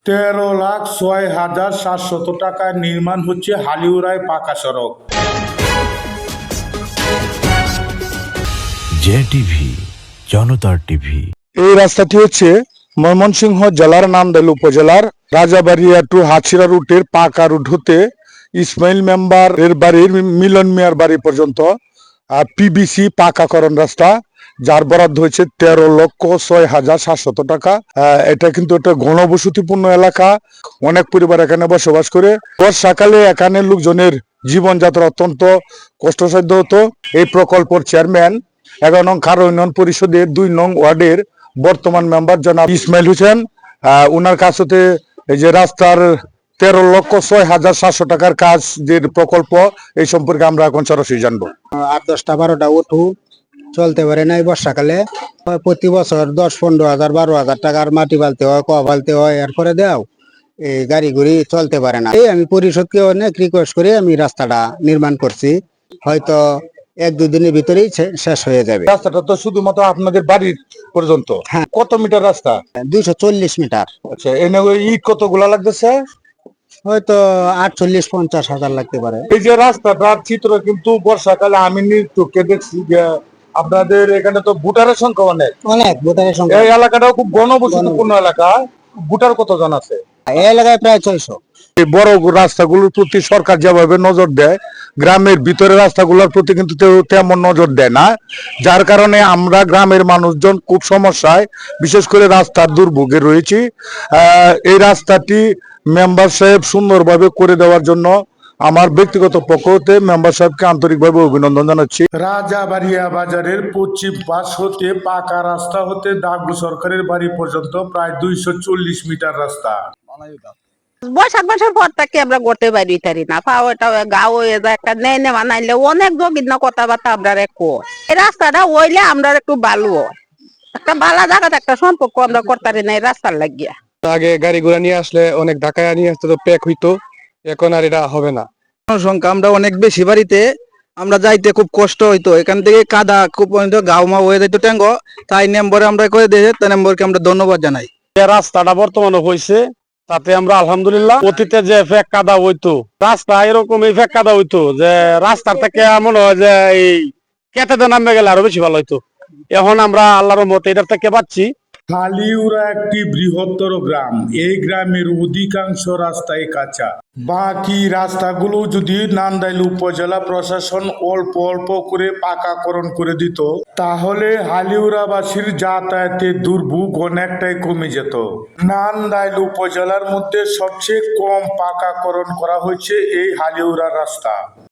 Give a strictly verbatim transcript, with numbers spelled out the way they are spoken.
তেরো লাখ ছয় হাজার সাতশত টাকায় নির্মাণ হচ্ছে হালিউরায় পাকা সড়ক। জে টিভি, জনতার টিভি। এই রাস্তাটি হচ্ছে ময়মনসিংহ জেলার নান্দাইল উপজেলার রাজাবাড়িয়া টু হাছিরা রুটের পাকা রুট হতে ইসমাইল মেম্বার এর বাড়ির মিলন মিয়ার বাড়ি পর্যন্ত পিবিসি পাকাকরণ রাস্তা, যার বরাদ্দ হয়েছে তেরো লক্ষ ছয় হাজার সাতশত টাকা। এটা কিন্তু একটা ঘনবসতিপূর্ণ এলাকা, অনেক পরিবার এখানে বসবাস করে। বর্ষাকালে এখানে লোকজনের জীবনযাত্রা অত্যন্ত কষ্টসাধ্য হতো। এই প্রকল্পের চেয়ারম্যান এগারো নং খারো ইউনিয়ন পরিষদের দুই নং ওয়ার্ডের বর্তমান মেম্বার জনাব ইসমাইল হোসেন, আহ উনার কাছ হতে এই যে রাস্তার তেরো লক্ষ ছয় হাজার সাতশো টাকার কাজ যে প্রকল্প, এই সম্পর্কে আমরা এখন সরাসরি জানবো। আট দশটা বারোটা উঠু চলতে পারে না। এই বর্ষাকালে প্রতি বছর দশ পনেরো হাজার বারো হাজার টাকার মাটি বালতে হয়, ক বালতে হয়, এরপরে দেও এই গাড়ি গুড়ি চলতে পারে না। এই আমি পরিষদকে অনেক রিকোয়েস্ট করে আমি রাস্তাটা নির্মাণ করছি, হয়তো এক দুই দিনের ভিতরেই শেষ হয়ে যাবে। রাস্তাটা তো শুধুমাত্র আপনাদের বাড়ির পর্যন্ত? হ্যাঁ। কত মিটার রাস্তা? দুইশো চল্লিশ মিটার। আচ্ছা, এনে ইট কতগুলা লাগতেছে? হয়তো আটচল্লিশ পঞ্চাশ হাজার লাগতে পারে। এই যে রাস্তাটার চিত্র কিন্তু বর্ষাকালে আমি চোখে দেখছি যে আপনাদের এখানে তো ভোটারের সংখ্যা অনেক অনেক ভোটারের সংখ্যা। এই এলাকাটাও খুব ঘনবসতিপূর্ণ এলাকা। ভোটার কতজন আছে এই এলাকায়? প্রায় ছয়শো। এই বড় রাস্তাগুলোর প্রতি সরকার যেভাবে নজর দেয়, গ্রামের ভিতরে রাস্তাগুলোর প্রতি কিন্তু তেমন নজর দেয় না, যার কারণে আমরা গ্রামের মানুষজন খুব সমস্যায়, বিশেষ করে রাস্তার দুর্ভোগে রয়েছি। আহ এই রাস্তাটি মেম্বার সাহেব সুন্দরভাবে করে দেওয়ার জন্য আমার ব্যক্তিগত পক্ষ হতে মেম্বার সাহেবকে আন্তরিকভাবে অভিনন্দন জানাচ্ছি। রাজাবাড়িয়া বাজারের পশ্চিম পাশ হতে পাকা রাস্তা হতে দাগু সরকারের বাড়ি পর্যন্ত প্রায় দুইশো চল্লিশ মিটার রাস্তা। বৈশাখ মাসের পর থেকে আমরা করতে পারি তারি না, পাওয়াটা গাও হয়ে যায়, একটা নেই নে বানাইলে অনেক বিভিন্ন কথাবার্তা আমরা একটু এই রাস্তাটা হইলে আমরা একটু ভালো হয়, একটা ভালো জায়গাতে একটা সম্পর্ক আমরা করতে পারি না এই রাস্তার লাগিয়া। আগে গাড়ি ঘোড়া নিয়ে আসলে অনেক ঢাকায় নিয়ে আসতে তো প্যাক হইতো, এখন আর এটা হবে না। জনসংখ্যা আমরা অনেক বেশি, বাড়িতে আমরা যাইতে খুব কষ্ট হইতো, এখান থেকে কাদা খুব গাও মা হয়ে যাইতো ট্যাঙ্গ, তাই নম্বরে আমরা করে দিয়ে তাই নম্বরকে আমরা ধন্যবাদ জানাই। রাস্তাটা বর্তমানে হয়েছে, তাতে আমরা আলহামদুলিল্লাহ। অতীতে যে ফেক কাদা হইতো, রাস্তা এরকম এই ফেক কাদা হইতো যে রাস্তার থেকে মনে হয় যে এই কেটেতে নামে গেলে আরো বেশি ভালো হইতো। এখন আমরা আল্লাহর মতে এটার থেকে পাচ্ছি। হালিউরা একটি বৃহত্তর গ্রাম, এই গ্রামের অধিকাংশ রাস্তাই কাঁচা। বাকি রাস্তাগুলো যদি নান্দাইল উপজেলা প্রশাসন অল্প অল্প করে পাকাকরণ করে দিত, তাহলে হালিউরাবাসীর যাতায়াতের দুর্ভোগ অনেকটাই কমে যেত। নান্দাইল উপজেলার মধ্যে সবচেয়ে কম পাকাকরণ করা হয়েছে এই হালিউরা রাস্তা।